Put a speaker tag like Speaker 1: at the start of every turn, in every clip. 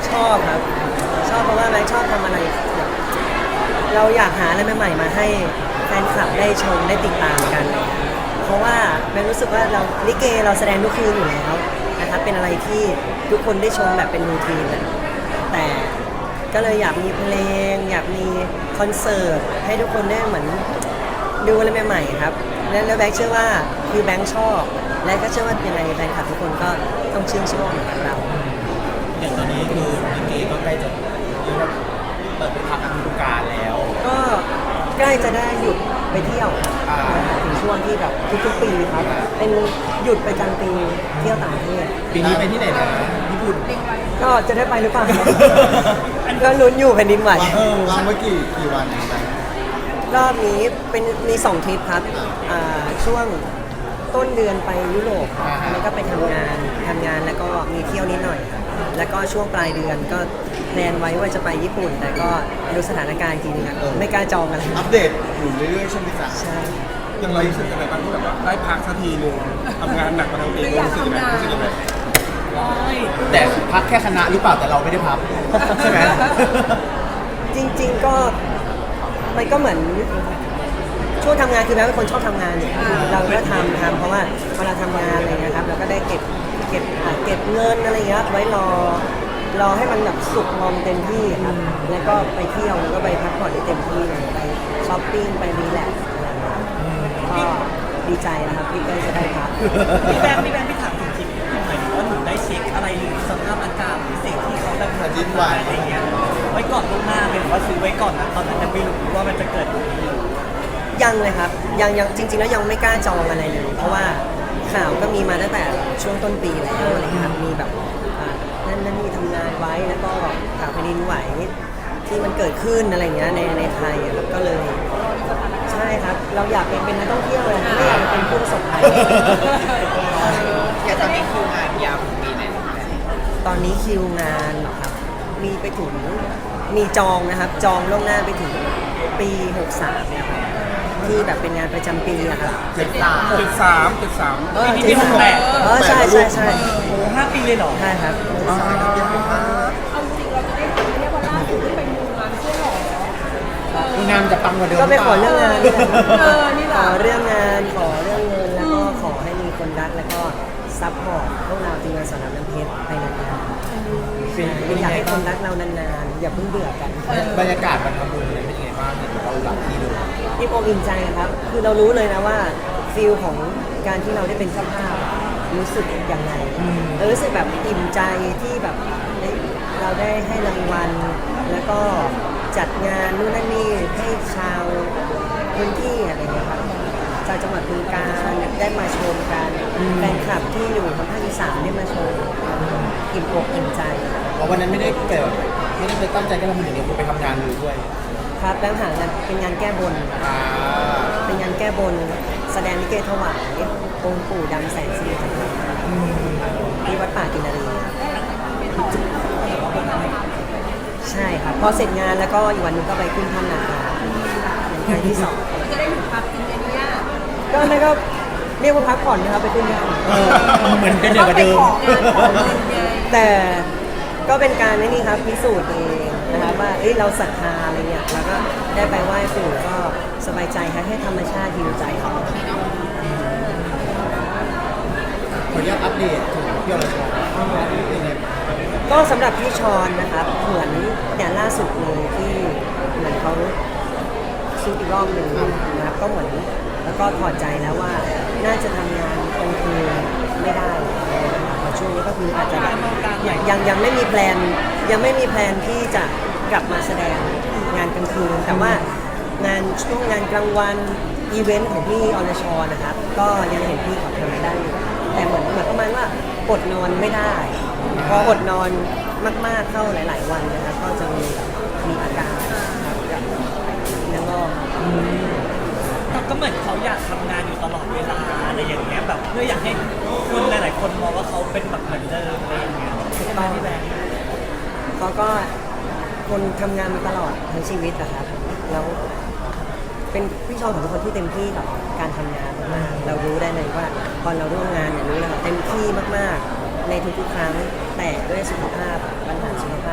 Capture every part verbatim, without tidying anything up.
Speaker 1: ชอบครับชอบเพราะว่าแบงค์ชอบทำอะไรแบบเราอยากหาอะไรใหม่ๆมาให้แฟนคลับได้ชมได้ติดตามกัน เพราะว่าแบงค์รู้สึกว่าเราลิเกเราแสดงทุกคืนอยู่แล้วนะครับเป็นอะไรที่ทุกคนได้ชมแบบเป็นรูทีนเลยแต่ก็เลยอยากมีเพลงอยากมีคอนเสิร์ตให้ทุกคนได้เหมือนดูอะไรใหม่ๆครับและแล้วแบงค์เชื่อว่าคือแบงค์ชอบและก็เชื่อว่ายังไงแฟนคลับทุกคนก็ต้องชื่นชอบเหมือนเรา
Speaker 2: อย่างตอนนี้คือลิเกก็ใกล้จะเรียกว่าเปิดเป็นทางการฤดูกาลแล้ว
Speaker 1: ก็ใกล้จะได้หยุดไปเที่ยว
Speaker 2: อ่า
Speaker 1: ถึงช่วงที่แบบทุกๆปีครับเป็นหยุดไปกลางปีเที่ยวต่างประเทศ
Speaker 2: ปีนี้ไปที่ไหนนะญี่ปุ่น
Speaker 1: ก็จะได้ไปหรือเปล่า ก็ลุ้นอยู่แผ่นดินไหว
Speaker 3: เออวางไว้กี่กี่วันนะ
Speaker 1: รอบนี้เป็นมีสองทริปครับอ่าช่วงต้นเดือนไปยุโรปครับแล้วก็ไปทำงานทำงานแล้วก็มีเที่ยวนิดหน่อยครับแล้วก็ช่วงปลายเดือนก็แพลนไว้ว่าจะไปญี่ปุ่น แต่ก็ดูสถานการณ์จริงๆครับไม่กล้าจองอะไร
Speaker 3: อัปเดตอยู่เรื่อยๆใช่ไหมจ๊ะ
Speaker 1: ใช่
Speaker 4: ยังเรารู้สึกยังไงบ้างที่แบบว่าได้พักสักทีนึงทำงานหนักมาทั้งปีรู้สึกยังไงรู้สึกยังไง
Speaker 2: แต่พักแค่คณะหรือเปล่าแต่เราไม่ได้พักใช่ไหม
Speaker 1: จริงๆก็มันก็เหมือนช่วงทำงานคือแม้เป็นคนชอบทำงานอยู่เราก็ทำทำเพราะว่าเวลาทำงานอะไรเงี้ยครับเราก็ได้เก็บเก็บอ่าเก็บเงินอะไรเงี้ยไว้รอรอให้มันแบบสุกงอมเต็มที่ครับแล้วก็ไปเที่ยวแล้วก็ไปพักผ่อนได้เต็มที่เลยไปช้อปปิ้งไปรีแลกซ์อะไรเงี้ยก็ดีใจนะครับที่ได้จะได้พัก
Speaker 5: พี่แบงค์พี่แบงค์พี่ถามจริงๆหมายถึงว่าหนูได้เช็คอะไรหรือสภาพอากาศหรือสิ่งที่เขาแบบ
Speaker 3: แผ่นดินไหว
Speaker 5: อะไรเงี้ยไว้ก่อนล่วงหน้าเลยหรือว่าซื้อไว้ก่อนนะตอนนั้นยังไม่รู้ว่ามันจะเกิดแบบนี้
Speaker 1: ยังเลยครับยังยังจริงๆแล้วยังไม่กล้าจองอะไรเลยเพราะว่าข่าวก็มีมาตั้งแต่ช่วงต้นปีแล้วอะไรเงี้ยครับมีแบบอ่านั่นนั่นนี่ทำงานไว้แล้วก็ข่าวแผ่นดินไหวที่มันเกิดขึ้นอะไรเงี้ยในในไทยอะครับก็เลยใช่ครับเราอยากเป็นเป็นนักท่องเที่ยวเลยไม่อยากเป็นผู้ประสบภัย
Speaker 2: อยากจะมีคิวงานยาวถึงปีไหน
Speaker 1: ตอนนี้คิวงานเหรอครับมีไปถึงมีจองนะครับจองล่วงหน้าไปถึงปีหกสามนะครับที่แบบเป็นงานประจำปีอะครับ
Speaker 2: เจ็ดสาม
Speaker 4: เจ็ดสามเจ็ดสาม
Speaker 1: เออ
Speaker 5: ปีที่หกแปด
Speaker 1: เออใช่ใช่ใช่
Speaker 5: โอ้โหห้าปีเลยเหรอ
Speaker 1: ใช่ครับ
Speaker 6: เอาจริงเราจะได้ทำเรียกว่าล่าสุดที่ไปมูงานเพื่อหรอ
Speaker 2: คืองานจะปังกว่าเดิม
Speaker 1: ก็ไปขอเรื่องงานนี่แหละ
Speaker 6: เออนี่แห
Speaker 1: ข
Speaker 6: ละ
Speaker 1: อเรื่องงานขอเรื่องเงินแล้วก็ขอให้มีคนรักแล้วก็ซัพพอร์ตพวกเราทีมงานสอนรามน้ำเพชรไปนานๆ
Speaker 2: เป็น
Speaker 1: ใช่อยากให้คนรักเรานานๆอย่าเพิ่งเบื่อกัน
Speaker 2: บรรยากาศมันทำบุญเนี่ยเป็นยังไงบ้างเห็นเราหลับที่เลย
Speaker 1: อิ่มอกอิ่มใจครับ คือเรารู้เลยนะว่าฟีลของการที่เราได้เป็นเจ้าภาพอะรู้สึกยังไงเรารู้สึกแบบอิ่มใจที่แบบเอ้ยเราได้ให้รางวัล แล้วก็จัดงานนู่นนั่นนี่ให้ชาวพื้นที่อะไรเงี้ยครับชาวจังหวัดบึงกาฬได้มาชมกันแฟนคลับที่อยู่ทางภาคอีสานได้มาชมอิ่มอกอิ่มใจ
Speaker 2: เพราะวันนั้นไม่ได้เกิดไม่ได้ไปตั้งใจแค่ทำบุญอย่างเดียวคือไปทำงานเลยด้วย
Speaker 1: ครับแล้วหางานเป็นงานแก้บน
Speaker 2: อ่า
Speaker 1: เป็นงานแก้บนแสดงลิเกถวายองค์ปู่ดำแสนสิริจันทราที่วัดป่ากินนารีใช่ครับพอเสร็จงานแล้วก็อีกวันหนึงก็ไปขึ้นถ้ำนาคาเป็นครั้งที่สอง
Speaker 6: จะได้ถึงพักจริงๆเนี่ย
Speaker 1: ก็นั่นก็เรียกว่าพักผ่อนนะครับไปขึ้นถ้
Speaker 2: เออเหมือนเป็นเดิมกว่าเดิม
Speaker 6: ของงานของเงินไง
Speaker 1: ำแต่ก็เป็นการนี่ครับพิสูจน์เองนะครับว่าเอ้ยเราศรัทธาอะไรเงี้ยแล้วก็ได้ไปไหว้ปู่ก็สบายใจครับให้ธรรมชาติฮิวใจเขา
Speaker 2: ขออนุญาตอัปเดตถึงพี่อรชรเป็นไง
Speaker 1: ก็สำหรับพี่ชอนนะครับเหมือนอย่างล่าสุดเลยที่เหมือนเขาซุดอีกรอบหนึ่งนะครับก็เหมือนแล้วก็ถอดใจแล้วว่าน่าจะทำงานกลางคืนไม่ได้เพราะช่วงนี้ก็คืออาจจะแบบยังยังยังไม่มีแพลนยังไม่มีแพลนที่จะกลับมาแสดงงานกลางคืน แต่ว่างานช่วงงานกลางวันอีเวนต์ของพี่อรชรนะครับก็ยังเห็นพี่เขาทำได้อยู่แต่เหมือนเหมือนประมาณว่าอดนอนไม่ได้ พออดนอนมากๆเข้าหลาย ๆ วันนะครับก็จะมีมีอาการครับแล้วก็
Speaker 5: ก็เหมือนเขาอยากทำงานอยู่ตลอดเวลาอะไรอย่างเงี้ยแบบเพื่ออยากให้คนหลายๆคนมองว่าเขาเป็นแบบเหมือนเดิมอะไรอย่างเงี้ยใช่ไหมพี่แบงค์
Speaker 1: เขาก็คนทำงานมาตลอดทั้งชีวิตนะครับแล้วเป็นพี่ชอนของทุกคนที่เต็มที่กับการทำงานมากๆเรารู้ได้เลยว่าตอนเราร่วมงานเนี่ยรู้เลยว่าเต็มที่มากๆในทุกๆครั้งแต่ด้วยสุขภาพปัญหาสุขภาพ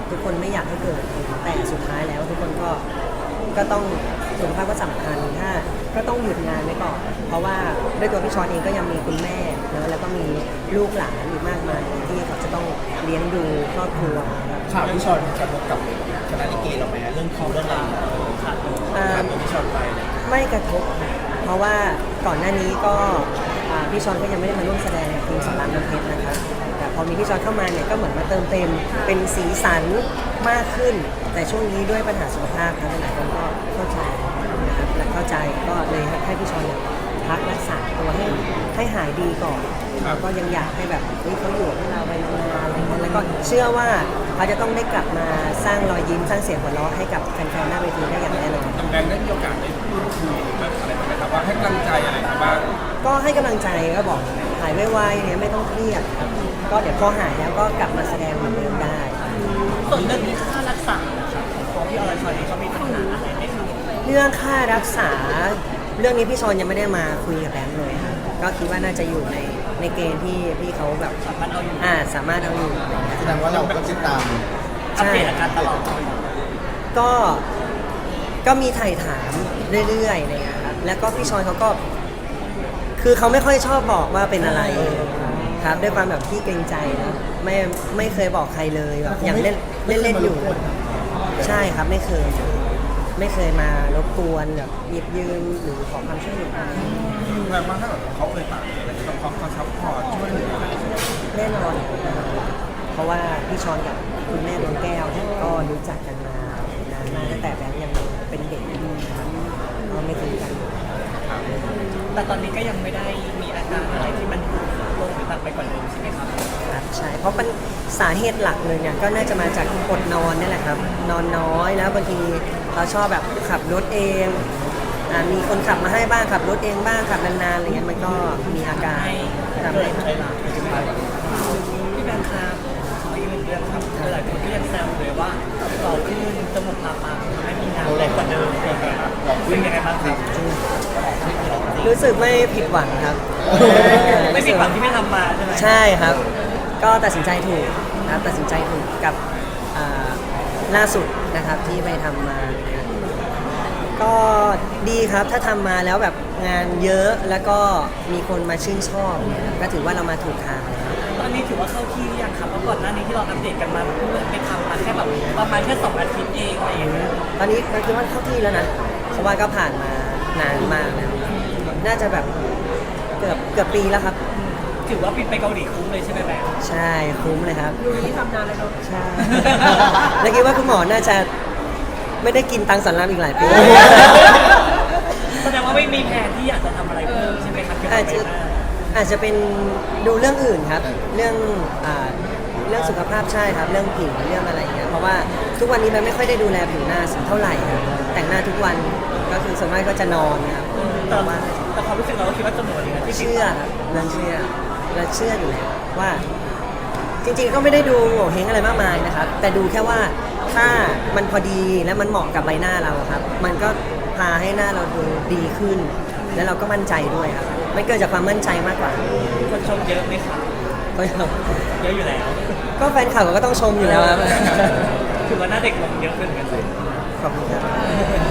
Speaker 1: ทุกคนไม่อยากให้เกิดแต่สุดท้ายแล้วทุกคนก็ก็ต้องสุขภาพก็สำคัญถ้าก็ต้องหยุดงานไว้ก่อนเพราะว่าด้วยตัวพี่ชอนเองก็ยังมีคุณแม่นะแล้วก็มีลูกหลานอีกมากมายที่เขาจะต้องเลี้ยงดูครอบครัวครับ
Speaker 2: ข่าวที่ชอนกระทบกับคณะลิเกเราไหมเรื่องคิวเรื่องอะไรขาดตัว
Speaker 1: อ่า
Speaker 2: ขาดตัวที่ชอนไปเลย
Speaker 1: ไม่กระทบค่ะเพราะว่าก่อนหน้านี้ก็อ่าพี่ชอนก็ยังไม่ได้มาร่วมแสดงกับทีมสอนรามน้ำเพชรนะคะแต่พอมีพี่ชอนเข้ามาเนี่ยก็เหมือนมาเติมเต็มเป็นสีสันมากขึ้น แต่ช่วงนี้ด้วยปัญหาสุขภาพนะหลายคนก็เข้าใจนะครับและเข้าใจก็เลยให้พี่ชอนเนี่ยพักรักษาตัวให้ให้หายดีก่อนแล้วก็ยังอยากให้แบบเฮ้ยเขาอยู่ให้เราไปนานๆอะไรเงี้ยแล้วก็เชื่อว่าเขาจะต้องได้กลับมาสร้างรอยยิ้มสร้างเสียงหัวเราะให้กับแฟนๆหน้าเวทีได้อย่างแน่นอน
Speaker 4: ทางแบงค์ได้มีโอกาสได้พูดคุยแบบอะไรไหมครับว่าให้กำลังใจอะไรบ้าง
Speaker 1: ก็ให้กำลังใจก็บอกหายไวๆเนี่ยไม่ต้องเครียดครับก็เดี๋ยวพอหายแล้วก็กลับมาแสดงเหมือนเดิมได้
Speaker 5: ส่วนเรื่องค่ารักษาครับของพี่อรชรเองเขามีปัญหาอะไรไหมครับ
Speaker 1: เรื่องค่ารักษาเรื่องนี้พี่ชอนยังไม่ได้มาคุยกับแบงค์เลยค่ะก็คิดว่าน่าจะอยู่ในในเกณฑ์ที่พี่เขาแบบ
Speaker 5: สามารถเอาอยู่
Speaker 1: อ่าสามารถเอาอยู่
Speaker 3: แสดงว่าเราก็ติดตาม
Speaker 5: อัปเดตอาการตลอด
Speaker 1: ก็ก็มีถ่ายถามเรื่อยๆอะไรเลยครับแล้วก็พี่ชอนเขาก็คือเขาไม่ค่อยชอบบอกว่าเป็นอะไรครับด้วยความแบบที่เกรงใจนะไม่ไม่เคยบอกใครเลยแบบอย่างเล่นเล่นเล่นๆอยู่ ใช่ครับไม่เคย ไม่เคยมารบกวนแบบหยิบยืมหรือขอความช่วยเหลืออะไร
Speaker 4: แปลว่าถ้าแบบเขาเคยฝากอะไรกับเขาเขาซัพพอร์ตช่วยเหลืออะไร
Speaker 1: แน่นอนนะครับเพราะว่าพี่ชอนกับคุณแม่ดวงแก้วเนี่ยก็รู้จักกันมานานมากตั้งแต่แบงค์ยังเป็นเด็กครับก็ไม่ทิ้งกัน
Speaker 5: แต่ตอนนี้ก็ยังไม่ได้มีอาการอะไรที่มันลงหรือหนักไปกว่าเดิมใช่ไหมครับ
Speaker 1: ครับใช่เพราะเป็นสาเหตุหลักเลยเนี่ยก็น่าจะมาจากอดนอนนี่แหละครับ นอนน้อยแล้วบางทีเราชอบแบบขับรถเองอ่ามีคนขับมาให้บ้างขับรถเองบ้างขับนานๆอะไรเงี้ยมันก็มีอาการ
Speaker 5: ให้
Speaker 1: ทำ
Speaker 5: เกิ
Speaker 1: ให้
Speaker 5: ดใช่ไหมพี่แบงค์ครับขออีกหนึ่งเรื่องครับหลายคนก็ยังแซวเลยว่าต่อขึ้นจมูกตาปากทำให้มีงานแรงกว่าเดิมเป็นยังไงบ้างครับ
Speaker 1: รู้สึกไม่ผิดหวังครับ
Speaker 5: ไม่ผิดหวังที่ไม่ทำมาใช่ไหม
Speaker 1: ใช่ครับ ก็ตัดสินใจถูกนะครับตัดสินใจถูกกับอ่าล่าสุดนะครับที่ไปทำมาเนี่ยก็ดีครับถ้าทำมาแล้วแบบงานเยอะแล้วก็มีคนมาชื่นชอบเนี่ยก็ถือว่าเรามาถูกทางแล้ว
Speaker 5: ตอนนี้ถือว่าเข้าที่หรือยังครับเพราะก่อนหน้านี้ที่เราอัปเดตกันมาเพิ่งไปทำมาแค่แบบประมาณแค่สองอาทิตย์เองอะไรอย่างเงี้ย
Speaker 1: ตอนนี้เราคิดว่าเข้าที่แล้วนะเพราะว่าก็ผ่านมานานมากแล้วน่าจะแบบเกือบเกือบปีแล้วครับ
Speaker 5: ถือว่าบินไปเกาหลีคุ้มเลยใช่ไหมแบงค์
Speaker 1: ใช่คุ้มเลยครับ
Speaker 6: ดูนี่ทำนานเลยเนาะ
Speaker 1: ใช่ แล้วคิดว่าคุณหมอน่าจะไม่ได้กินตังค์สอนรามอีกหลายปี
Speaker 5: แสดงว่าไม่มีแผนที่อยากจะทำอะไรเพิ่มใช่ไหมครับเกี่ยวกั
Speaker 1: อา
Speaker 5: บ
Speaker 1: จ
Speaker 5: ใบ
Speaker 1: จะ
Speaker 5: หน้า
Speaker 1: อาจจะเป็นดูเรื่องอื่นครับ เรื่องอ่าเรื่องสุขภาพใช่ครับ เรื่องผิวเรื่องอะไรอย่างเงี้ยเพราะว่าทุกวันนี้มันไม่ค่อยได้ดูแลผิวหน้าสักเท่าไหร่ครับแต่งหน้าทุกวันก็คือส่วนมากก็จะนอนครับ
Speaker 5: แต่
Speaker 1: แต่ว่า
Speaker 5: แต่ความรู้สึกเราก็คิดว่าจำนวนนี้ที่
Speaker 1: เชื่อครับเราเชื่อเราเชื่ออยู่แล้วว่า จริงๆก็ไม่ได้ดูโง่เฮงอะไรมากมายนะครับ แต่ดูแค่ว่าถ้ามันพอดีและมันเหมาะกับใบหน้าเราครับ มันก็พาให้หน้าเราดูดีขึ้น แล้วเราก็มั่นใจด้วยครับมันเกิดจากความมั่นใจมากกว่า
Speaker 5: คนชมเยอะไหมครับ
Speaker 1: ก็
Speaker 5: เยอะอยู่แล้ว
Speaker 1: ก็แฟนข่าวก็ต้องชมอยู่แล้วครับ
Speaker 5: ถือว่าหน้าเด็กลงเยอะขึ้นเหมือนกันเลย
Speaker 1: ขอบคุณครับ